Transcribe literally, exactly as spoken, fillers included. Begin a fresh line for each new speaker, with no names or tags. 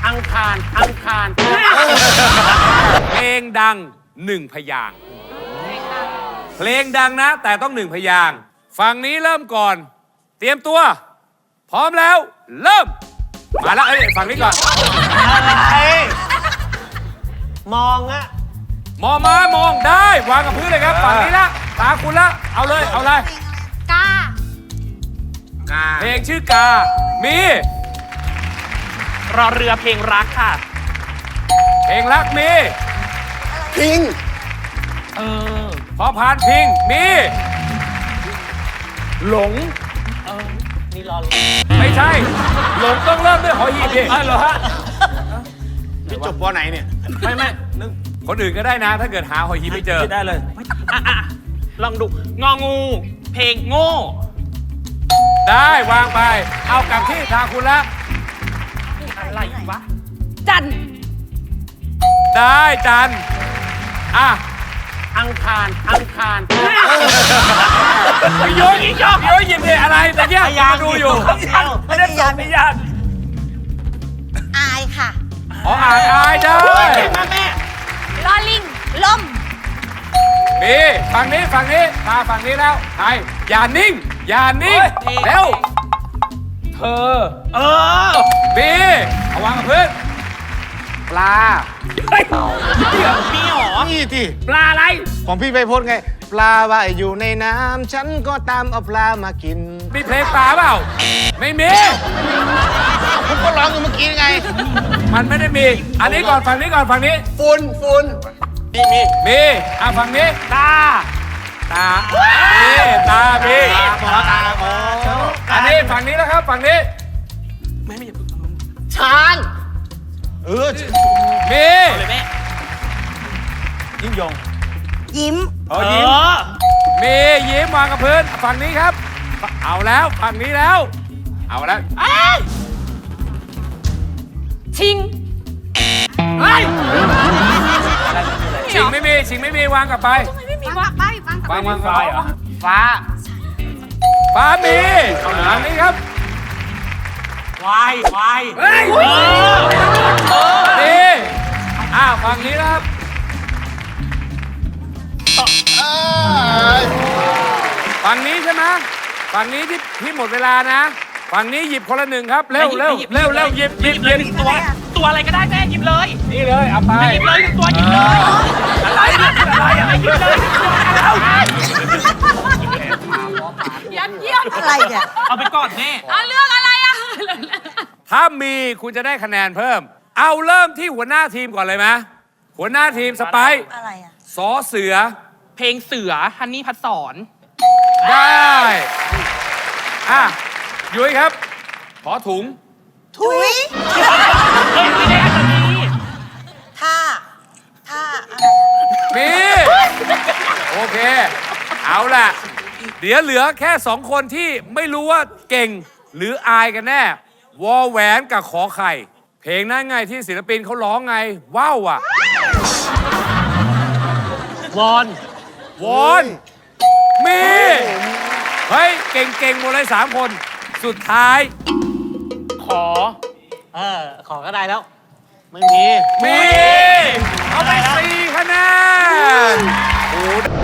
อังคารอังคาร
เพลงดังหนึ่งพยางค์เพลงดังนะแต่ต้องหนึ่งพยางค์ฝั่งนี้เริ่มก่อนเตรียมตัวพร้อมแล้วเริ่มมาแล้วเอ้ยฝั่งนี้ก่อน
อะไรมองอะ
มองมามองได้วางกับพื้นเลยครับฝั่งนี้ละตาคุณละเอาเลยเอาเลย
กา
เพลงชื่อกามี
รอเรือเพลงรักค่ะ
เพลงรักมี
พิง
เออ
พอผ่านพิงมีหลง
เออนี่รอ
ไม่ใช่หลงต้องเริ่มด้วยหอหีบดิ
อ๋อเหรอฮะ
ที่จบปไหนเนี่ย
ไม่ไม่นึก
คนอื่นก็ได้นะถ้าเกิดหาหอหีบไม่เจอ
ได้เลยอ่ะลองดูงองูเพลงโง่
ได้วางไปเอากลับที่ทางคุณละ
อะไรวะ
จัน
ได้จันอ่ะ
อังคารอังคาร
พี่โยยพี่โยยหยิบเลยอะไรแต่เนี่ยมาดูอยู่
ไม่ได้สอนไม่ยาก
อายค่ะ
อ๋ออ่านอายได้
มาแม่
ลอลิงล่ม
มีฝั่งนี้ฝั่งนี้มาฝั่งนี้แล้วไอ้อย่านิ่งอย่านิ่งเร็วเธอ
เออ
บีเอาวางกับพื้นปลา
เฮ้ยเดี๋ยวพี่หรอ
นี่ที่
ปลาอะไร
ของพี่ไปพจน์ไงปลาว่ายอยู่ในน้ำฉันก็ตามเอาปลามากิน
มีเพลงปลาเปล่าไม่มี
ผมก็ร้องอยู่เมื่อกี้ไง
มันไม่ได้มีอันนี้ก่อนฝั่งนี้ก่อนฝั่งนี้
ฝุ่นฝุ่น
มีมีมีอ่ะฝั่งนี้
ตา
ตามีตามี
ตาตาอ๋อ
อันนี้ฝั่งนี้แล้วครับฝั่งนี้
ไม่ไม่อย่าพึ่ง
ช้างเออ
มี
เลยแม่
ยิ่งยง
ยิ้ม
อ๋อยิ้มมียิ้มวางกับพื้นฝั่งนี้ครับเอาแล้วฝั่งนี้แล้วเอาแล้ว
ชิง
ชิงไม่มีชิงไม่มีวางกลับไป
ไม่มีวางไปวาง
วางวางฟ้าเหรอฟ้าฟ้ามีฝั่งนี้ครับ
วายวาย
นี่อ้าวฝั่งนี้นะครับฝั่งนี้ใช่ไหมฝั่งนี้ที่ที่หมดเวลานะฝั่งนี้หยิบคนละหนึ่งครับเร็วเร็วเร็วเร็วหยิบหยิบหยิบ
ตัวตัวอะไรก็ได้แม่หยิบเลย
นี่เลยเอาไป
หยิบเลยตัวหยิบเลยอะไรอะไรอะไรหยิบเลย
ยัดเยียดอะไรเนี่ย
เอาไปก่อนแม่
เอาเรื่องอะไรอ่ะ
ถ้ามีคุณจะได้คะแนนเพิ่มเอาเริ่มที่หัวหน้าทีมก่อนเลยไหมหัวหน้าทีมสไปซ์
อะไรอ่ะ
สอเสือ
เพลงเสือฮันนี่พัดสอน
ได้อ่ะยุ้ยครับขอถุง
ถุย
เฮ้ยไม่ได้อันนี้
ท่าท่า
มีโอเคเอาล่ะเดี๋ยวเหลือแค่สองคนที่ไม่รู้ว่าเก่งหรืออายกันแน่วอแหวนกับขอไข่เพลงนั้นไงที่ศิลปินเขาร้องไงว้าวอ่ะ
วอน
วอนมีเฮ้ยเก่งๆหมดเลยสามคนสุดท้าย
ขอเออขอก็ได้แล้ว
ไม่มี
มีเอาไปสี่คะแนนโอ้